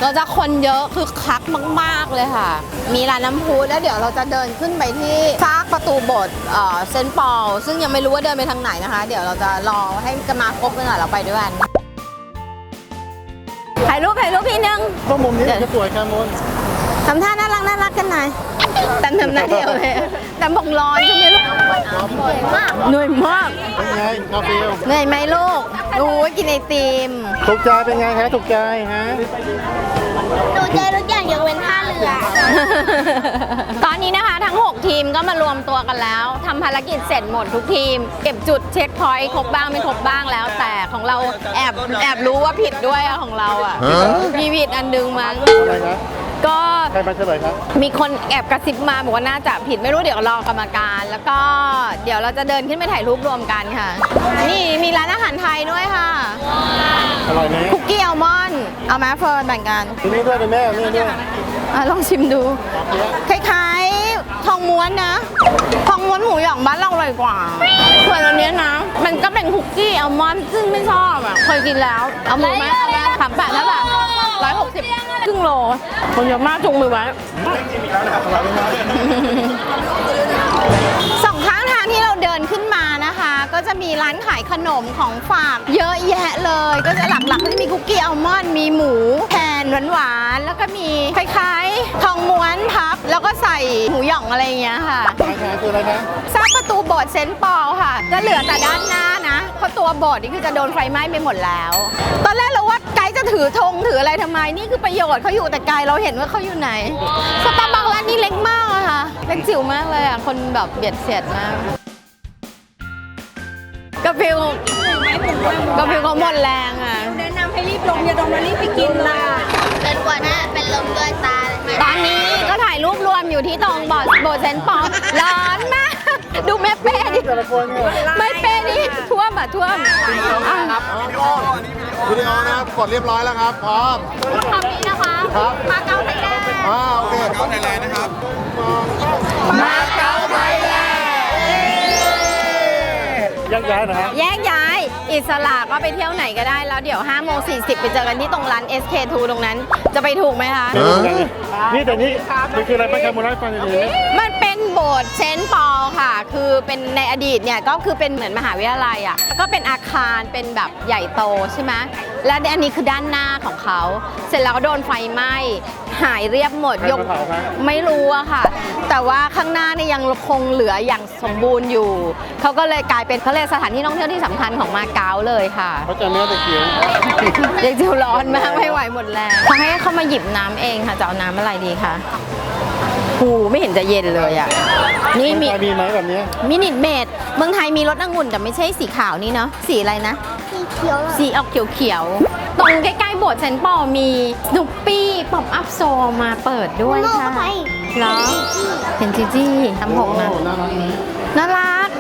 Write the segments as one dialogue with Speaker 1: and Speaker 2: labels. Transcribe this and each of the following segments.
Speaker 1: เราจะคนเยอะคือคักมากๆเลยค่ะมีร้านน้ำพุแล้วเดี๋ยวเราจะเดินขึ้นไปที่ซากประตูโบสถ์เซนต์ปอลซึ่งยังไม่รู้ว่าเดินไปทางไหนนะคะเดี๋ยวเราจะรอให้กันมาครบกันหน่อยเราไปด้วยกันถ่ายรูปพี่นึง
Speaker 2: ก็มุมนี้จะสวยค่ะมุน
Speaker 1: ทำท่าน่ารักกันหน่อยแต่ทำหน้าเดียวเลยแต่บอกร้อนใช่ไหมลูกเหนื่อยมาก
Speaker 2: เป็นไงกาแฟ
Speaker 1: เหนื่อยไหมลูกรู้ว่ากินไอติม
Speaker 2: ถูกใจเป็นไงฮะถูกใจฮะ
Speaker 3: ถูกใจทุกอย่างยกเว้นท่าเรือ
Speaker 1: ตอนนี้นะคะทั้ง6ทีมก็มารวมตัวกันแล้วทำภารกิจเสร็จหมดทุกทีมเก็บจุดเช็คพอยต์ครบบ้างไม่ครบบ้างแล้วแต่ของเราแอบรู้ว่าผิดด้วยของเราอ่ะมีผิดอันนึงมั้ง
Speaker 2: อะไรนะ
Speaker 1: ก็
Speaker 2: ใครมาเฉลยครับ
Speaker 1: มีคนแอบกระซิบมาบอกว่าน่าจะผิดไม่รู้เดี๋ยวรอกรรมการแล้วก็เดี๋ยวเราจะเดินขึ้นไปถ่ายรูปรวมกันค่ะนี่มีร้านอาหารไทยด้วยค่ะ
Speaker 2: อร่อยไหม
Speaker 1: คุกกี้อัลมอนด์เอาไหมเฟิร์นแบ่งกัน
Speaker 2: ทีนี้ด้วยเป็นแม่นี่ด้วย
Speaker 1: ลองชิมดูคล้ายๆทองม้วนนะทองม้วนหมูหยองบ้านเราอร่อยกว่าส่วนอันนี้นะมันก็เป็นคุกกี้อัลมอนด์ซึ่งไม่ชอบอ่ะเคยกินแล้วเอาหมูไหม38แล้วแบบ160ครึ่งโลคนเยอะมากจุงมือไว้สองข้างทางที่เราเดินขึ้นมานะคะก็จะมีร้านขายขนมของฝากเยอะแยะเลยก็จะหลักๆก็จะมีคุกกี้อัลมอนด์มีหมูแผ่นหวานๆแล้วก็มีคล้ายๆทองม้วนพับแล้วก็ใส่หมูหย่องอะไรอย่างเงี้ยค่ะ
Speaker 2: คืออะไรนะ
Speaker 1: ซากประตูโบสถ์เซนต์ปอลค่ะจะเหลือแต่ด้านหน้านะเพราะตัวโบสถ์นี่คือจะโดนไฟไหม้ไปหมดแล้วตอนแรกเราว่าไกด์จะถือธงถืออะไรทำไมนี่คือประโยชน์เขาอยู่แต่ไกลเราเห็นว่าเขาอยู่ไหนสตาร์บัคร้านนี้เล็กมากอะค่ะเล็กจิ๋วมากเลยอะคนแบบเบียดเสียดมากกระพิวเขาหมดแรงอะ
Speaker 3: แนะนำให้รีบลงอย่าลงมารีบไปกินล่ะเดินกว่าน่ะเป็นลมด้วยตา
Speaker 1: ตอนนี้ก็ถ่ายรูปรวมอยู่ที่ตรงโบสถ์เซนต์ปอลร้อนมากดูแม่เป้ดิไม่เป้ดิท่วมท่วม
Speaker 2: ครับวิดีโอนะครับกดเรียบร้อยแล้วครับพร้อม
Speaker 1: คำนี้นะคะมาเก๊าไทยแลนด์
Speaker 2: โอเคมาเก๊าไทยแลนด์นะครับ
Speaker 1: มาเก๊าไทยแลนด์
Speaker 2: แยกย้ายนะครับ
Speaker 1: แยกย้ายอิสระก็ไปเที่ยวไหนก็ได้แล้วเดี๋ยว5:40ไปเจอกันที่ตรงร้าน SK2 ตรงนั้นจะไปถูกไหมคะ
Speaker 2: นี่แต่นี่คืออะไรป้าแคมูไลฟ์ฟังดี
Speaker 1: ๆมันเป็นโบสถ์เซนต์ปอลค่ะคือเป็นในอดีตเนี่ยก็คือเป็นเหมือนมหาวิทยาลัยอ่ะก็เป็นอาคารเป็นแบบใหญ่โตใช่ไหมและอันนี้คือด้านหน้าของเขาเสร็จแล้วก็โดนไฟไหม้หายเรียบหมดยกไม่รู้อะค่ะแต่ว่าข้างหน้าเนี่ยยังคงเหลืออย่างสมบูรณ์อยู่เขาก็เลยกลายเป็นเขาเลยสถานที่ท่องเที่ยวที่สำคัญของมาเก๊าเลยค่ะ
Speaker 2: เขาจะเนื้อเด็กเขียว
Speaker 1: เด็กเจียวร้อนมากไม่ไหวหมดแรงเขาให้เขามาหยิบน้ำเองค่ะจะเอาน้ำอะไรดีคะหูไม่เห็นจะเย็นเลยอ่ะ
Speaker 2: นี่มีไหมแบบนี้
Speaker 1: มินิเมดเมืองไทยมีรสองุ่นแต่ไม่ใช่สีขาวนี่เนาะสีอะไรนะ
Speaker 3: สีเขียว
Speaker 1: สีออกเขียวตรงใกล้ๆโบสถ์เซนต์ปอลมีสนุปปี้ป๊อปอัพโซมาเปิดด้วยค่ะเหรอเห็นจีจี้ทำผมนะน่ารัก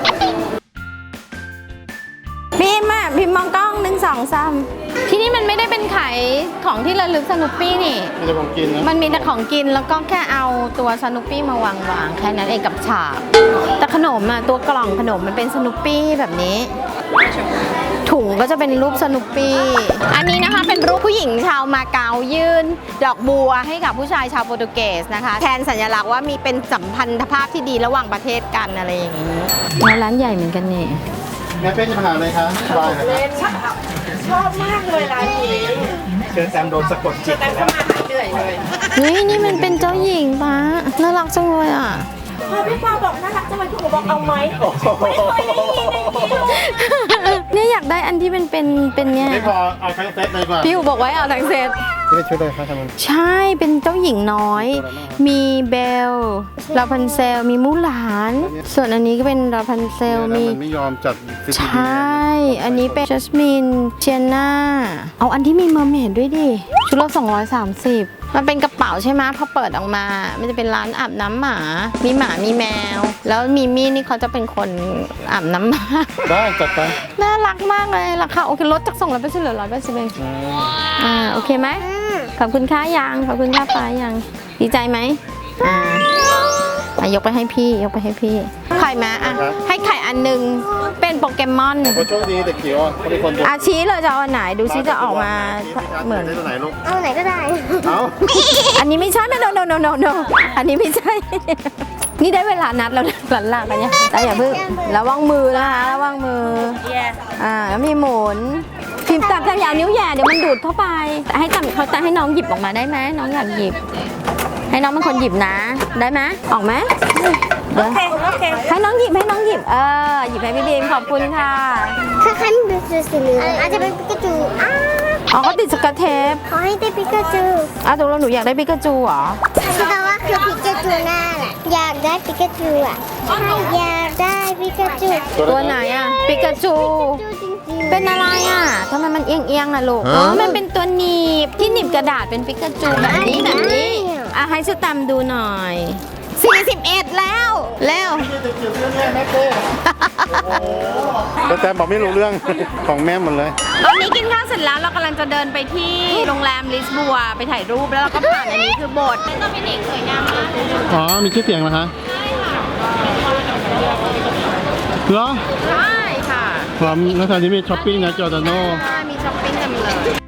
Speaker 1: พิมมองกล้อง1 2 3ที่นี่มันไม่ได้เป็นขายของที่ระลึกสนุปปี้นี่
Speaker 2: มีแต่ของกินนะ
Speaker 1: มันมีแต่ของกินแล้วก็แค่เอาตัวสนุปปี้มาวางแค่นั้นเองกับฉากแต่ขนมอ่ะตัวกล่องขนมมันเป็นสนุปปี้แบบนี้ถุงก็จะเป็นรูปสนุปปี้อันนี้นะคะเป็นรูปผู้หญิงชาวมาเก๊ายื่นดอกบัวให้กับผู้ชายชาวโปรตุเกสนะคะแทนสัญลักษณ์ว่ามีเป็นสัมพันธภาพที่ดีระหว่างประเทศกันอะไรอย่างนี้ร้านใหญ่เหมือนกันนี่
Speaker 2: แม่เป้จะมาหาอะไรคะบายนะครับ
Speaker 3: ชอบมากเลยร้านนี้
Speaker 2: เชิญแซมโดนสะกดจิต
Speaker 3: แล้วก็มาเหนื่อยเลย
Speaker 1: นี่มันเป็นเจ้าหญิงป้าน่ารักจังเลยอ่ะ
Speaker 3: พอพี่ปาบอกน่ารักจังเลยพี่หนูบอกเอาไหม
Speaker 1: เนี่ยอยากได้อันที่เป็นเนี่ย
Speaker 2: ไม่พอเอาทั้งเซตเลยกว่า
Speaker 1: พี่อูบอกไว้เอาทั้งเซต
Speaker 2: ไม่ช่วยเลยครับทำไม
Speaker 1: ใช่เป็นเจ้าหญิงน้อยมีเบลลาพันเซลมีมูหลานส่วนอันนี้ก็เป็นลาพันเซลมี
Speaker 2: ไม่ยอมจัด
Speaker 1: ใช่อันนี้เป็นจัสมินเชียน่าเอาอันที่มีเมอร์เมดด้วยดิชุดละ230มันเป็นกระเป๋าใช่ไหมพอเปิดออกมามันจะเป็นร้านอาบน้ำหมามีหมามีแมวแล้วมีมี่นี่เขาจะเป็นคนอาบน้ำหมา
Speaker 2: ได้จัดไป
Speaker 1: น่ารักมากเลยราคาโอเคลดจาก200%เหลือ180เองโอเคไหมขอบคุณค่ายังขอบคุณค่าปลายังดีใจไหมยกไปให้พี่ยกไปให้พี่ไข่มาอ่ะให้ไข่อันหนึงเป็นโปเกมอน
Speaker 2: โชคดีเด็กจิ๋วเขาเป็นคนดู
Speaker 1: อาชี้เลยจะเอาอันไหนดูซิจะออกมาเหมือน
Speaker 2: ได้ตัวไหนลูก
Speaker 3: เอาไหนก็ได้
Speaker 2: เอา
Speaker 1: อันนี้ไม่ใช่ไม่ no อันนี้ไม่ใช่ นี่ได้เวลานัดแล้วหลันลากันยังแต่อย่าเพิ่งระวังมือนะคะระวังมือแล้วมีหมุนพิมพ์ตับยาวนิ้วแหย่เดี๋ยวมันดูดเข้าไปให้จำเขาจะให้น้องหยิบออกมาได้ไหมน้องอยากหยิบ ให้น้องเป็นคนหยิบนะได้ไหมออกไหมโอเคให้น้องหยิบหยิบหยิบให้พี่บีมขอบคุณค่ะ
Speaker 3: ถ้าใครไม่เป็นสีเหลืองอาจจะเป็นปิกาจู
Speaker 1: อ๋อเขาติดสกอตเทป
Speaker 3: ขอให้ได้ปิกาจู
Speaker 1: ตกลงหนูอยากได้ปิกาจูเหรอ
Speaker 3: คือแปลว่าคือปิกาจูหน้าแหละอยากได้ปิกาจูอ่ะใช่อยากได้ปิกาจู
Speaker 1: ตัวไหนอ่ะปิกาจู
Speaker 3: จริงๆ
Speaker 1: เป็นอะไรอ่ะทำไมมันเอียงๆล่ะลูกอ๋อมันเป็นตัวหนีบที่หนีบกระดาษเป็นปิกาจูแบบนี้ให้สแตมป์ดูหน่อย41แล้วแล้ว
Speaker 2: แต่แตมบอกไม่รู้เรื่อง ของแม่หมดเลย
Speaker 1: ตอนนี้กินข้าวเสร็จแล้วเรากำลังจะเดินไปที่โรงแรมลิสบัวไปถ่ายรูปแล้วเราก็ผ่านอันนี้คือโบสถ์เป็นตัวมินิสวยงามมาก
Speaker 2: อ๋อ มีชื่อเสียงเหรอคะเหรอ
Speaker 1: ใช่ค่ะ
Speaker 2: พร้อมแล้วตอนนี้มีช้อปปิ้งนะจอร์แดนโน
Speaker 1: มีช้อปปิ้งเต็มเลย